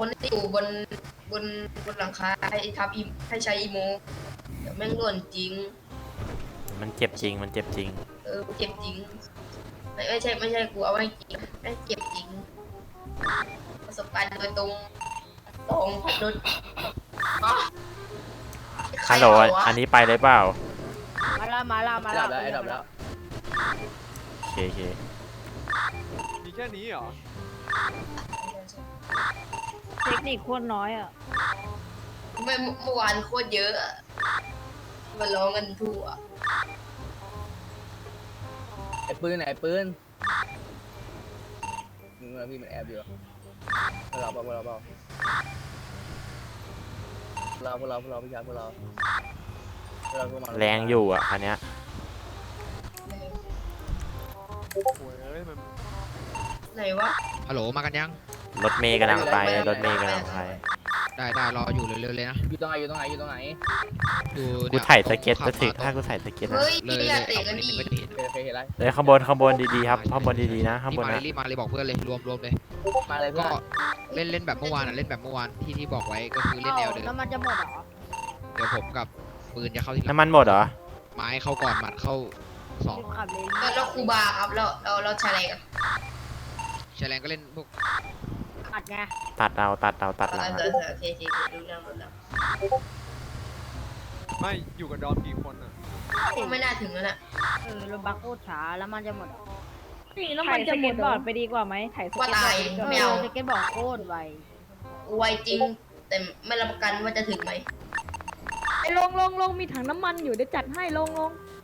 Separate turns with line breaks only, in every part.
คนที่อยู่บนบนหลังคาให้ทับอีให้ใช้อีโมเดี๋ยวแม่งหล่นจริง
มันเจ็บจริงมันเจ็บจริง
เจ็บจริงไม่ใช่กูเอาไว้จริงแม่งเจ็บจริงประสบการณ์โดยตรงพัดรถ
ฮัลโหลอันนี้ไปเลยเปล่า
มาแล้ว
โอเค
มีแค่นี้เหรอ
เทคนิคโคตรน้อยอ่ะ
เมื่อวานโคตรเยอะมาร้องกันทั่ว
ไอ้ปืนมึงนะพี่มันแอบอยู่เราพวกเราพี่ชายพวกเรา
แรงอยู่อ่ะคันเนี้ย
โอ้ยมัน
ไหนวะ
ฮัลโหลมากันยัง
รถเมย์กำลังไป
ได้รออยู่เร็วๆเลยนะ
อยู่ตรงไหน
กูถ่ายสเก็ตจะถึงถ้ากูถ่ายสเก็ตนะ
เฮ้ยอย่าเตะกันดิ
เคยเห็นไร
เลยข้างบนดีๆครับข้างบนดีๆนะข้างบนนะ
รีบมาเลยบอกเพื่อนเลยรวมเลย
มาเลย
ก็เล่นแบบเมื่อวานที่บอกไว้ก็คือเล่นแนวเดิม
แล้วมันจะหมดเหรอ
เดี๋ยวผมกับปืนจะเข้าที่
น้ำมันหมดเหรอ
ไม้เข้าก่อนหมัดเข้า2
ขับเลย
แล้วครูบาครับเราใช้อะไรกัน
แฉลงก็เล่นพวก
ตัดไง
ตัดหลัง
โอเครู้เรื่อง
ไม่อยู่กับดอมกี่คนอ่ะ
ไม่น่าถึงแล้วน่ะ
รถบัคโคตรช้าแล้วมันจะหมด
นี่แล้วมันจะหมดบอร์ดไปดีกว่าไหมถ่ายสเก็ตบอร์ด
ไม่เอา
สเก็ตบอร์ดโคตรไว
จริงแต่ไม่รับประกันว่าจะถึงไหม
ไอ้ลงมีถังน้ำมันอยู่ได้จัดให้ลง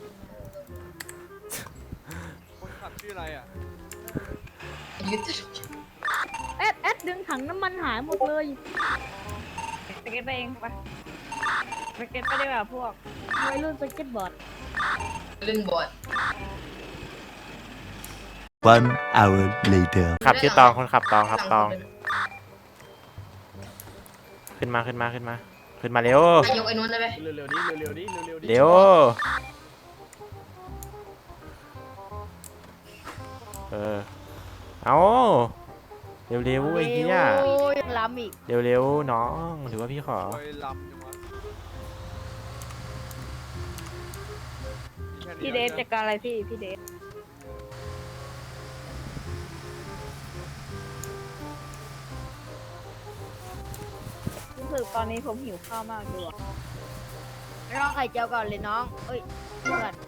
คนขับชื่ออะไรอ่ะ
เอ็ดดึงถังน้ำมันหายหมดเลยสเก็ตไปเองไปสเก็ตไปดีกว่าพวกวัยรุ่นสเก็ตบอร์ด
เล่นบอร์ด
1 hour later
ขับชื่อตองคนขับตองครับตองขึ้นมาเร็วย
กไอ้นู้นได้ไหม
เร็วๆดิ
เร็วเอาเร็วไอ้เหี้ย
ล้ำอีก
เร็วน้องหรือว่าพี่ขอ
พี่เดฟจัดการอะไรพี่เดฟรู้สึกตอนนี้ผมหิวข้าวมากดู
น้องไข่เจียวก่อนเลยน้องเอ้ยเพื่อน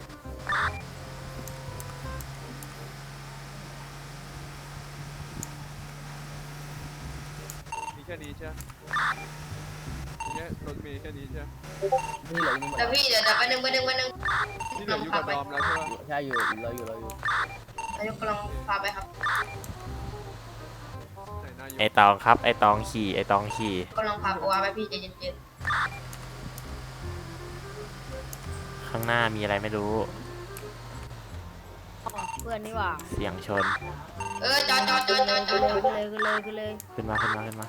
มีแค่นี้ใช่เนี่ยรถมีแค่นี้ใช่
นี่เหลือนี่หมด
แต่พี่เดี๋ยวไปนึง
นี่เหลืออยู่กับดอมแล้วใช่ไหม
ใช่อยู่เราอยู่
นายกกำลังพาไปครับ
ไอตองครับไอตองขี่
กำลังพาปัวไปพี่ใจเย็น
ข้างหน้ามีอะไรไม่รู้
เพื่อนนี่หว่า
เสียงชน
จอด
เลย
ขึ้นมา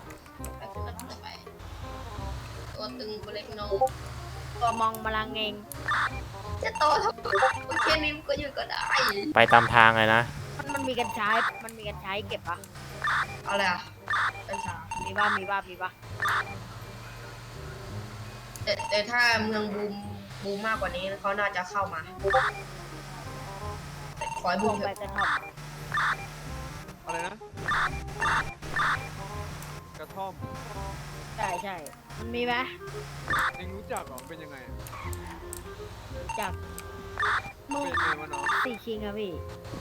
ตัวตึงกูเล็กน้อง
ตัวมองมาลังเอง
จะโตทำไมแค่นี้มันก็อยู่ก็ได้
ไปตามทางเลยนะ
มันมีกันใช้เก็บปะ
อะไรอ่ะกัญชา
มีป่ะ
แต่ถ้าเมืองบูมมากกว่านี้เขาน่าจะเข้ามาขอให้บูม
ไปกันครับ
อะไรนะกระท่อม
ใช่มันมีไหม
เองรู้จักหรอเป็นยังไง
จาก
เป็นยังไงวะน้อง
ตีคิงอะพี่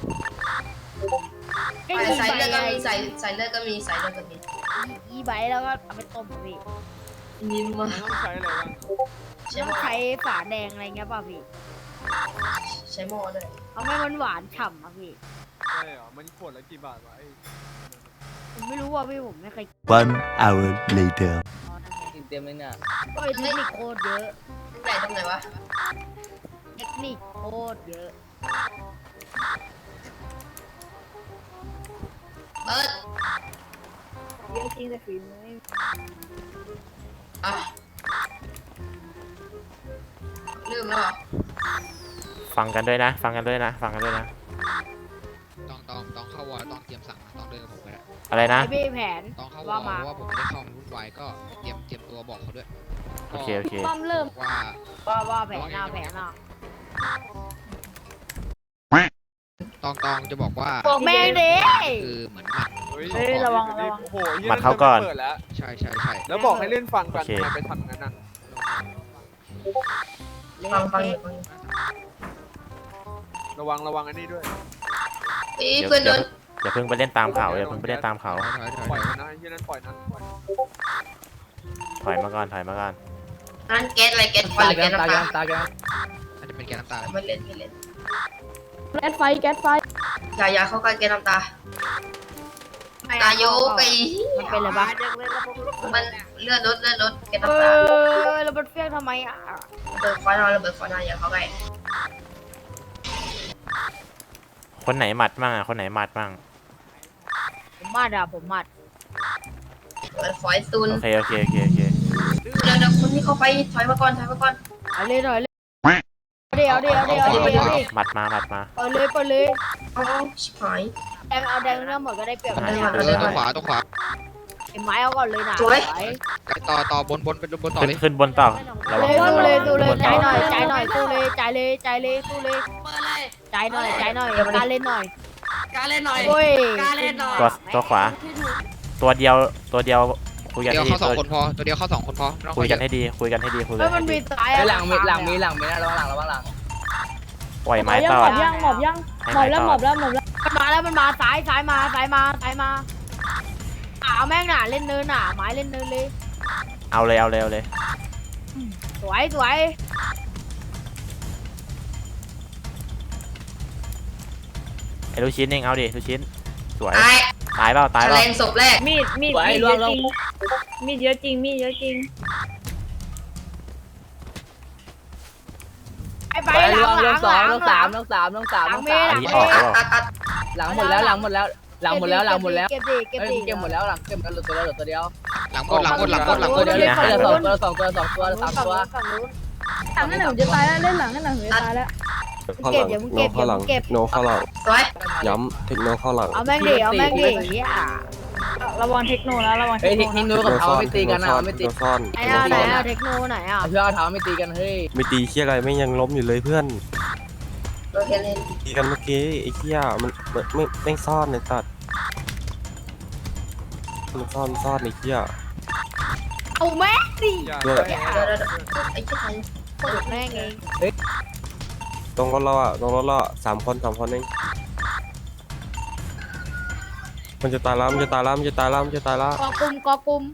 ใส่เลือดก็มีใส่เลือดก็มี
อีใบแล้วก็เอาไปต้มพี่
นิ่มมาก
ต้องใช้อะไรบ้าง
ต้องใช้ฝาแดงอะไรเงี้ยป่ะพี่
ใช้หม้อเลย
เอาไม่มันหวานฉ่ำอะพี่
ใช่เหรอมันขวดละกี่บาทวะ
ผมไม่รู้ว่าพี่ผมไม่เคย
1 hour later
เต็มเลยเนี่ย
เทคนิคโคตรเยอะ
ใหญ่ตรงไหนวะ
เทคนิคโคตรเยอะ
เยอะจริงแต่ฝีมือ
ลืมแล้วเหรอ
ฟังกันด้วยนะ
ต้องเข้าวอลต้องเตรียมสั่งต้องเดินกับผมไปแล้ว
ไปอะไรนะ
ไอ้พี่แผน
ตอนเข้าวอ
ว่า
ลเพ
มา
ราะว่าผมไม่ได้เข้ามันวุ่นวายก็เตรียมตัวบอกเขาด้วย
โอเคโอเค
ป้อมเริ่ม
ว่า
ว่าแผนหน้าแผนหน้า
ตองจะบอกว่า
บอกแม่งดิ
คือเหมือนหมัด
เฮ้ยระวังระวัง
โอ้โหหี้ย
มัดเข้าก่อน
เปิดแล้ว
ใช่
แล้วบอกให้เล่นฟังกัน
โอเค
ทำไมไปทำงั้นน่ะ
ฟังอยู่
ระวังอันนี้ด้วย
เฮ้ยเพื่อนโดน
อย่าเพิ่งไปเล่นตามเขาอย่าเพิ่งไปเล่นตามเขา
ปล่อยมันนะไอ้ที่นั่นปล่อยนะปล่อย
ถอยมาก่อนถอยมาก่อน
นั่นแก๊สอะไรแก๊สควันหรือแก๊สน้ำตา
ตาแก
น่าจะเป็นแกนน้ำตา
ไม่เล่น
แก๊สไฟแก๊สไฟ
อย่าเข้าใกล้แก๊สน้ำตาตาโยกไป
มันเป็นอะไรบ้าง
มันเลื่อนรถแก๊ส
เอ
น้ำตา
อแล้วมันเฟี้ยงทำไมอ่ะ
เปิดควันเราเปิดควันเราอย่าเข้าใกล้
คนไหนหมัดมั่งอ่ะคนไหนหมัดมั่ง
ผมมัดอ่ะผมมัด
เปิดฟอยซูน
โอเคโอเค
เดี๋ยวคนที่เข้าไปถอยมาก่อน
เอาเลยหน่อยเลยเดี๋ยว
หมัดมาหมัดมา
เปิดเลย
เอาชิบหาย
แดงเอาแดงเรื่องหมดก็ได้เปรียบ
หา
เลย
หา
ตัวขวา
ไอ้ไม้เอาก่อนเลยนะ
ต่อบนเป็นบนต่อ
ขึ้น
เลย
ขึ้นบนต่อระวัง
สู้เลย
บน
ใจ
ต่อ
หน่อยใจหน่อยสู้เลยใจเลยใจหน่อยการเล่นหน่อยโอ้ย
ตัวขวา ตัวเดียวคุยกัน
เดียว
ให้ดี
เข้า2 คนพอตัวเดียวเข้า2 คนพอ
คุยกันให้ดีคุยกันให้ดี
แล้วมันมีสาย
หลังมีนะระวังหลัง
ปล่อยไม้
ยั
ต่อ
หมอบยังหมอบยังหมอบแล้วหมอบแล้ว
มันมาสายมาเอาแม่งน่ะเล่นเนินน่ะไม้เล่นเนินเลย
เอาเลย
สวย
ไอ้ลูกชิ้นเองเอาดิลูกชิ้นสวย
ตาย
ตายเปล่า
แฉลงศพแรก
มีดเยอะจริงมีดเยอะจริง
ไปหลัง
น้องสาม
หลังเมย์
อันนี้ออกแล้ว
หลังหมดแล้วเก็บดิเก็บหมดแล้วหลังเหลือตัวเดียว
หลังหมด
ตัวเดียวสองตัว3 ตัว
หลังนั่นหนูจะตายแล้วเล่นหลังนั่นหนูจะตายแล้ว
เก็บอย่ามึงเก็บอย่ามึงเก็บ
โนเข้าหลัง
สวย
ย้ำเทคโนเข้าหลัง
เอาแม่งดิ
ระวังเทคโนแล้วระวังเท
เฮ้ย
คโน
ทิ้งนู้นกับเขาไม่ตีกันนะไม่ตี
โนซ่อน
ไหนอ่ะเทคโนไหนอ่ะ
เพื่อเอาเท้าไม่ตีกันเฮ้ย
ไม่ตีเชี่ยอะไรไม่ยังล้มอยู่เลยเพื่อน
โอเคเลย
ตีกันเมื่อกี้ไอ้เชี่ยมันไม่ซ่อนในตัดมันซ่อนไอ้เชี่ย
เอาแม่งดิ
อย่า
ด้วย
เดี๋ยวไอ้เจ้าไทย
เปิดแม่งเอง
ตรงรถเราอ่ะ3 คนเองมันจะตายแล้ว
กอกุม
กอบกุม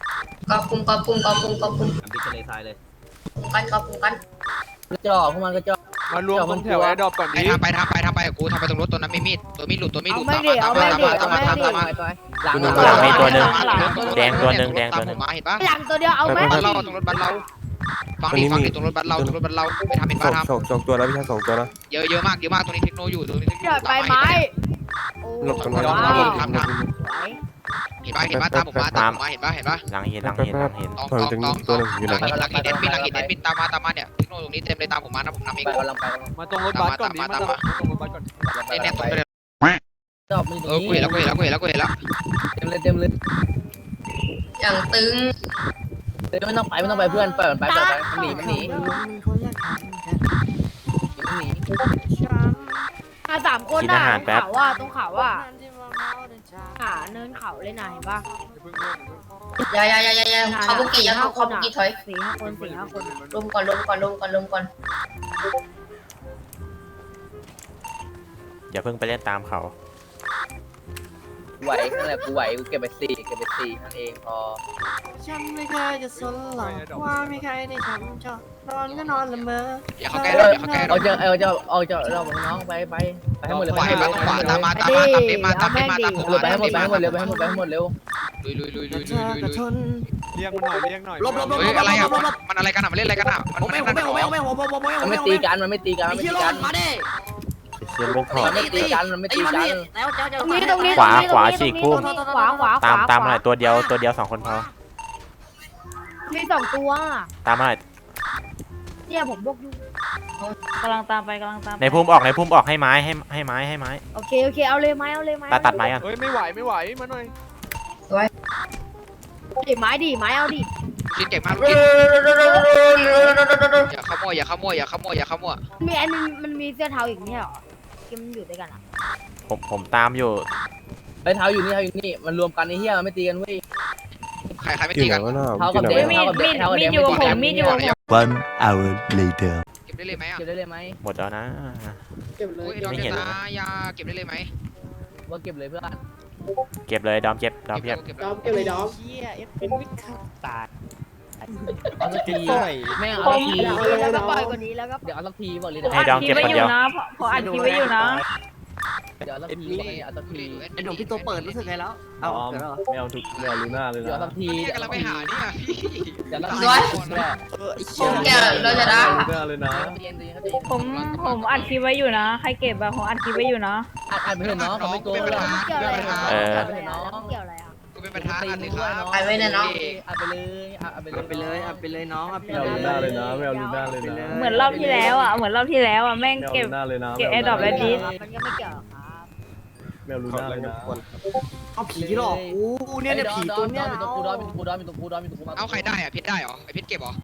ปิดทะเลทรายเลย
กอบกุมกัน
กระจอกพวกมันกระจอก
มารวมตรงแถวแอร์ดรอปก่อน
ไป
ดิ
ทำไปกับกูทำไปตรงรถตัวนั้นมีมีดตัวมีดหลุด
หลัง
หลังมีตัวหนึ่งแดงตัวหนึ่ง
มาเห็นปะ
หลังตัวเดียวเอาแม่ง
บ้านเราตรงรถบ้านเราฟังดิตรงรถบ้านเราไปทำเห็นปะทำ
สองตัวแล้วพี่ชาย2 ตัวนะ
เยอะมากตรงนี้เทคโนอยู่ตรงนี้
เดือดไปไม้โอ้
หลบกัน
ว้า
ไว้
ว
เห็นปะตามผมมาเห็นปะ
หลังเห็น
ตองตัวหนึ่งอยู่ไหนหลังหินเด็ดบินตามมาเนี่ยเทคโนตรงนี้เต็มเลยตามผมมานะผมนำเอง
ไปกำลังไป
มาตรงรถบัสก่อนดิมาตรงรถบัสก่อน
เนี่ยตรงไปเลย
จอบมันอยู่ตรง
กู
นี้
เห็นแล้ว
เต็มเลย
อย่างตึง
ไม่ต้องไปเพื่อนเปิดไปมันหนี
3 คนน่ะเขาว่าตรงเขาว่าเนินเขาเลยนะเห็นปะ
อย่าเขาบุกี้เขาบุกี้ถอย
4-5 คน
ลมก่อน
อย่าเพิ่งไปเล่นตามเขา
ไหวนั่นแหละกูไหวกูเก็บไป4นั่นเองพอ
ฉันไม่เคยจะสนหรอกว่ามีใครในฉันชอบนอนก็นอนละเมอ
อย่าเขาแก้
เอาเจอเราน้องไปให้หมดเลย
ขวาตามมาตามผม
ไปให้หมดเร็ว
ลุย
เธอก็ทน
เรียกมันหน่อย
เฮ้ยอะไรอ่ะมันอะไรกันอ่ะมันเล่นอะไรกันอ่ะมันไม่
มันไม่ตีกัน
มาดิ
เชี่ยไม่ถอด
มันไม่ตีกัน
ตรงนี้
ขวาฉีกพุ่ม
ขวา
ตามมาหน่อยตัวเดียว2 คนพอ
มี2 ตัว
ตามมาหน่อย
เนี่ยผมบอกอยู่
กำลังตามไป
ในพุ่มออกให้ไม้
โอเคเอาเลยไหม
ตัดไม้กัน
เฮ้ยไม่ไหวมาหน่อย
ดิไม้ดิไม้เอาดิ
กินเก่งมากกินอย่าขโมยอย่าขโมยอย่าขโมยอย่าขโมย
มีอันนึงมันมีเสื้อเทาอีกเนี่ยหรอเกมมันอยู่ด้วยกันอ่ะ
ผมตามอยู่
ไปเท้าอยู่นี่เท้าอยู่นี่มันรวมกันไอ้เหี้ยมันไม่ตีกันเว้ย
ใครไม่
กิ
ตี
นห
กั
นั
น
งก็น่า
เท้ากับ
กินหนัง
เด็
ก็
ก
น่า
มีดอยู่ผมมีดอยู่
1 hour later.
เก็บได้เลยไหมอ่ะ
เก็บได้เลยไหม
หมดแล้วนะ
เก็บเลย
โอ้ยดอก
ไม่
เจ
เห็น
ตายาเก็บได้เลยไหม
ว่าเก็บเลยเพื่อน
เก็บเลยดอมเก็บดอมเก็บ
เก็บ
ดอมเก็บเลยดอม
เอาสักทีแม่งเอาสักที
แล้วก็ปล่อยกว่านี้แล้วก็
เดี๋ยวเอาสักทีบอกเลย
ให้ดอมเก็บคนเดียว
ขออัดคลิปไว้อยู่นะ
เดี๋ยวเอาสักทีเอาสักที
ไอ้หนุ่มพี่ตัวเปิดรู้สึกไงแล้วเอาเกิดแล้ว
ไม่เอาทุกไม่เอาลูน่าเลย
เดี๋ยว
นะ
เอาสักที
พี่กำลังไปหานี่อ่ะพี่
เดี๋ยวเอาสัก
ด้วย
ทีแหละ
ผมแกเราจะได้
ลูน่าเลยนะ
เย็นๆเขาใจ
ผมอัดคลิปไว้อยู่นะ ใครเก็บอะผมอัดคลิปไว้อยู่นะ
อัดไปเถอะน้องเขาไม่โกงหรอก
เกี่ยวอะไร
เออ
เกี่ยวอะไรอ่ะ
กูเป็นประธานอันเลยครับ
อัดไปเลยอัดไปเลย
เอาไปเลยเอาไปเลยน้องเอาไป
ไม่เอาลูน่าเลยนะไม่เอาลูน่าเลยนะ
เหมือนรอบที่แล้วอะเหมือนรอบที่แล้วอะแม่ง
ไม่เอา
เก็บ
ลูน่าเลยนะ
เก็บ Adopt แล้วดิ
มันก็ไม่เกี่ยวหรอกครับ
ไม่เอาลูน่าเลยนะ
เอาผีหลอกกูเนี่ยผีตัวเนี้ย
มีตัวกูดอมมีตัวกูดอมมีตัวกูดอมมีตัวกูมา
เอาใครได้อ่ะเพชรได้เหรอไอเพชรเก็บเหรอ